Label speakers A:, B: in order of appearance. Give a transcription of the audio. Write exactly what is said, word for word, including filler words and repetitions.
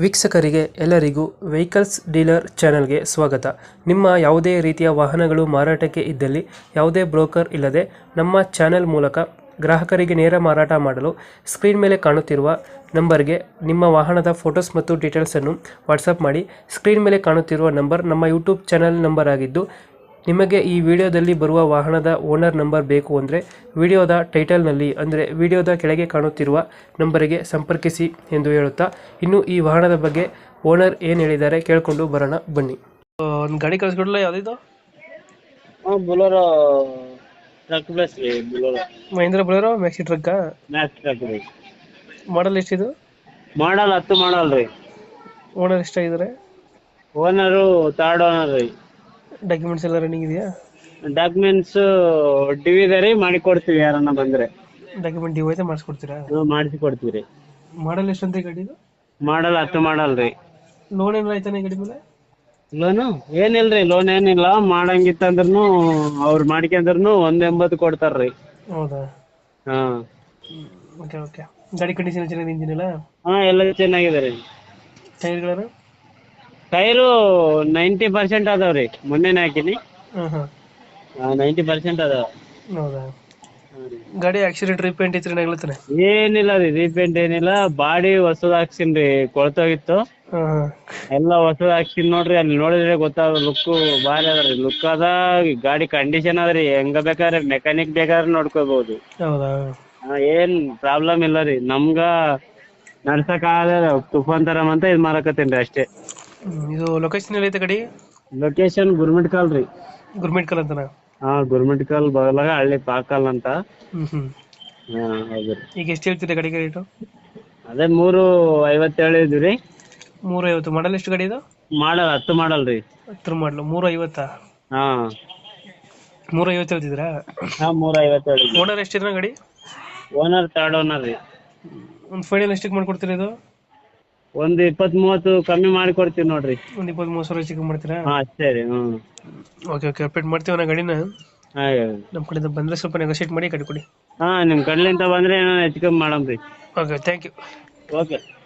A: ವೀಕ್ಷಕರಿಗೆ ಎಲ್ಲರಿಗೂ vehicles dealer ಚಾನೆಲ್ಗೆ ಸ್ವಾಗತ. ನಿಮ್ಮ ಯಾವುದೇ ರೀತಿಯ ವಾಹನಗಳು ಮಾರಾಟಕ್ಕೆ ಇದ್ದಲ್ಲಿ ಯಾವುದೇ ಬ್ರೋಕರ್ ಇಲ್ಲದೆ ನಮ್ಮ ಚಾನೆಲ್ ಮೂಲಕ ಗ್ರಾಹಕರಿಗೆ ನೇರ ಮಾರಾಟ ಮಾಡಲು ಸ್ಕ್ರೀನ್ ಮೇಲೆ ಕಾಣುತ್ತಿರುವ ನಂಬರ್ಗೆ ನಿಮ್ಮ ವಾಹನದ ಫೋಟೋಸ್ ಮತ್ತು ಡೀಟೇಲ್ಸನ್ನು ವಾಟ್ಸಪ್ ಮಾಡಿ. ಸ್ಕ್ರೀನ್ ಮೇಲೆ ಕಾಣುತ್ತಿರುವ ನಂಬರ್ ನಮ್ಮ ಯೂಟ್ಯೂಬ್ ಚಾನೆಲ್ ನಂಬರ್ ಆಗಿದ್ದು, ನಿಮಗೆ ಈ ವಿಡಿಯೋದಲ್ಲಿ ಬರುವ ವಾಹನದ ಓನರ್ ನಂಬರ್ ಬೇಕು ಅಂದರೆ ವಿಡಿಯೋದ ಟೈಟಲ್ನಲ್ಲಿ ಅಂದರೆ ವಿಡಿಯೋದ ಕೆಳಗೆ ಕಾಣುತ್ತಿರುವ ನಂಬರಿಗೆ ಸಂಪರ್ಕಿಸಿ ಎಂದು ಹೇಳುತ್ತಾ, ಇನ್ನು ಈ ವಾಹನದ ಬಗ್ಗೆ ಓನರ್ ಏನು ಹೇಳಿದ್ದಾರೆ ಕೇಳಿಕೊಂಡು ಬರೋಣ ಬನ್ನಿ. ಒಂದು ಗಾಡಿ ಕಳಿಸ್ಕೊಡಲ್ಲ, ಯಾವುದಿದು?
B: ಹಾಂ ಬೊಲೊರೋ ಟ್ರಕ್ ಪ್ಲಸ್ ರೀ. ಬೊಲೊರೋ
A: ಮಹೇಂದ್ರ ಬೊಲೊರೋ ಮ್ಯಾಕ್ಸಿ ಟ್ರಕ್ಕಾ?
B: ಮ್ಯಾಕ್ಸ್ ಟ್ರಕ್ ರೀ.
A: ಮಾಡಲ್ ಎಷ್ಟಿದು?
B: ಮಾಡಲ್ ಹತ್ತು ಮಾಡಲ್ ರೀ.
A: ಓನರ್ ಎಷ್ಟಾಗಿದ್ದಾರೆ?
B: ಓನರು ಥರ್ಡ್ ಓನರ್ ರೀ.
A: ಡಾಕ್ಯುಮೆಂಟ್ಸ್ ಎಲ್ಲ ರನ್ನಿಂಗ್ ಇದೆಯಾ?
B: ಡಾಕ್ಯುಮೆಂಟ್ಸ್ ಡಿ ವಿ ಇದೆ ರೀ, ಮಾಡಿ ಕೊಡ್ತೀವಿ ಯಾರನ್ನ ಬಂದರೆ.
A: ಡಾಕ್ಯುಮೆಂಟ್ ಡಿ ಐತೆ ಮಾಡಿಸ್ಕೊಡ್ತೀರಾ?
B: ನಾವು ಮಾಡಿಸಿ ಕೊಡ್ತೀವಿ ರೀ.
A: ಮಾಡಲ್ ಎಷ್ಟಂತ ಗಾಡಿದು?
B: ಮಾಡಲ್ ಹತ್ತು ಮಾಡಲ್ ರೀ.
A: ಲೋನ್ ಏನಾರ ಆಯ್ತಾನೆ ಗಾಡಿ ಮೇಲೆ?
B: ಲೋನು ಏನಿಲ್ಲ ರೀ, ಲೋನ್ ಏನಿಲ್ಲ. ಮಾಡಂಗಿತ್ತಂದ್ರೂ ಅವ್ರು ಮಾಡ್ಕೊಂಡ್ರು ಒಂದು ಎಂಬತ್ತು ಕೊಡ್ತಾರೆ ರೀ.
A: ಹೌದಾ?
B: ಹಾಂ
A: ಓಕೆ ಓಕೆ. ಗಾಡಿ ಕಂಡೀಷನ್ ಚೆನ್ನಾಗಿದೆ, ಇಂಜಿನ್ ಎಲ್ಲ?
B: ಹಾಂ ಎಲ್ಲ ಚೆನ್ನಾಗಿದೆ ರೀ.
A: ಟೈರ್ಗಳನ್ನು?
B: ಟೈರು ನೈಂಟಿ ಪರ್ಸೆಂಟ್ ಅದಾವ ರೀ, ಮೊನ್ನೆನೇ ಹಾಕಿನಿ.
A: ಹಾಂ ಹಾಂ
B: ನೈಂಟಿ ಪರ್ಸೆಂಟ್ ಅದಾವ.
A: ಹೌದಾ? ಗಾಡಿ ಆಕ್ಸಿಡೆಂಟ್ ರೀಪೇಂಟ್ ಇತ್ತು ಏನಾಗ್ಲತ್ತಾನೆ?
B: ಏನಿಲ್ಲ ರೀ, ರೀಪೇಂಟ್ ಏನಿಲ್ಲ. ಬಾಡಿ ಹೊಸದ್ ಹಾಕ್ಸಿನ್ ರೀ, ಕೊಳ್ತೋಗಿತ್ತು.
A: ಹಾಂ ಹಾಂ
B: ಎಲ್ಲ ಹೊಸದ್ ಹಾಕ್ಸಿನ್ ನೋಡ್ರಿ. ಅಲ್ಲಿ ನೋಡಿದ್ರೆ ಗೊತ್ತಾಗ, ಲುಕ್ ಭಾರಿ ಅದ ರೀ. ಲುಕ್ ಅದ, ಗಾಡಿ ಕಂಡೀಷನ್ ಅದ ರೀ. ಹೆಂಗ ಬೇಕಾದ್ರೆ ಮೆಕ್ಯಾನಿಕ್ ಬೇಕಾದ್ರೆ ನೋಡ್ಕೋಬಹುದು.
A: ಹೌದಾ?
B: ಏನ್ ಪ್ರಾಬ್ಲಮ್ ಇಲ್ಲ ರೀ. ನಮ್ಗ ನಡ್ಸಕ್ ಆಗದ ತುಫಾನ್ ತರಮ್ ಅಂತ ಇದ್ ಮಾರಕತ್ತೇನ್ರಿ ಅಷ್ಟೇ.
A: ಹ್ಮ್, ಇದು ಲೊಕೇಶನ್ ಎಲ್ಲೈತೆ ಗಾಡಿ?
B: ಲೊಕೇಶನ್ ಗುರ್ಮಿಟ್ ಕಾಲ್ ರೀ.
A: ಗುರ್ಮಿಟ್ ಕಾಲ್ ಅಂತನಾ?
B: ಹಾ, ಗುರ್ಮಿಟ್ ಕಾಲ್ ಬಗಲಾಗ ಹಳ್ಳಿ ಪಾಕಲ್ ಅಂತ.
A: ಹ್ಮ್ ಹ್ಮ್.
B: ಹಾ ಹೌದು ರೀ.
A: ಈಗ ಎಷ್ಟು ಹೇಳ್ತಿದೆ ಗಾಡಿಗೆ ರೇಟು?
B: ಅದೇ ಮೂರು ಐವತ್ತೇಳು ಇದ್ವಿ ರೀ.
A: ಮೂರ ಐವತ್ತು. ಮಾಡಲ್ ಎಷ್ಟು ಗಾಡಿ ಇದು?
B: ಮಾಡಲ್ ಹತ್ತು ಮಾಡಲ್ ರೀ.
A: ಹತ್ರ ಮಾಡಲು ಮೂರ ಐವತ್ತಾ?
B: ಹಾ
A: ಮೂರ ಐವತ್ತು ಹೇಳ್ತಿದ್ರಾ?
B: ಹಾ ಮೂರ ಐವತ್ತೇಳು.
A: ಓನರ್ ಎಷ್ಟಿದ್ರ ಗಾಡಿ?
B: ಓನರ್ ಥರ್ಡ್ ಓನರ್ ರೀ.
A: ಒಂದು ಫೈನಲ್ ಎಷ್ಟಕ್ಕೆ ಮಾಡ್ಕೊಡ್ತೀರಾ ಇದು?
B: ಒಂದು ಇಪ್ಪತ್ತ್ ಮೂವತ್ತು ಕಮ್ಮಿ ಮಾಡಿ ಕೊಡ್ತೀವಿ ನೋಡ್ರಿ.
A: ಒಂದು ಇಪ್ಪತ್ತ್ ಮೂವತ್ತು ಸಾವಿರ ಚಿಕ್ಕ ಮಾಡ್ತೀರಾ?
B: ಹಾ ಅಷ್ಟೇ ರೀ. ಹ್ಮ್
A: ಓಕೆ ಓಕೆ, ಅಪ್ಡೇಟ್ ಮಾಡ್ತೀವಿ ನಾ ಗಾಡಿನ.
B: ಹಾ
A: ನಮ್ಮ ಕಡೆಯಿಂದ ಬಂದರೆ ಸ್ವಲ್ಪ ನೆಗೋಷಿಯೇಟ್ ಮಾಡಿ ಗಾಡಿ ಕೊಡಿ.
B: ಹಾ ನಿಮ್ ಕಡ್ಲಿಂದ ಬಂದ್ರೆ ಏನೋ ಹೆಚ್ಚು ಕಮ್ಮಿ ಮಾಡಮ್ರಿ.
A: Okay, thank you.
B: ಓಕೆ.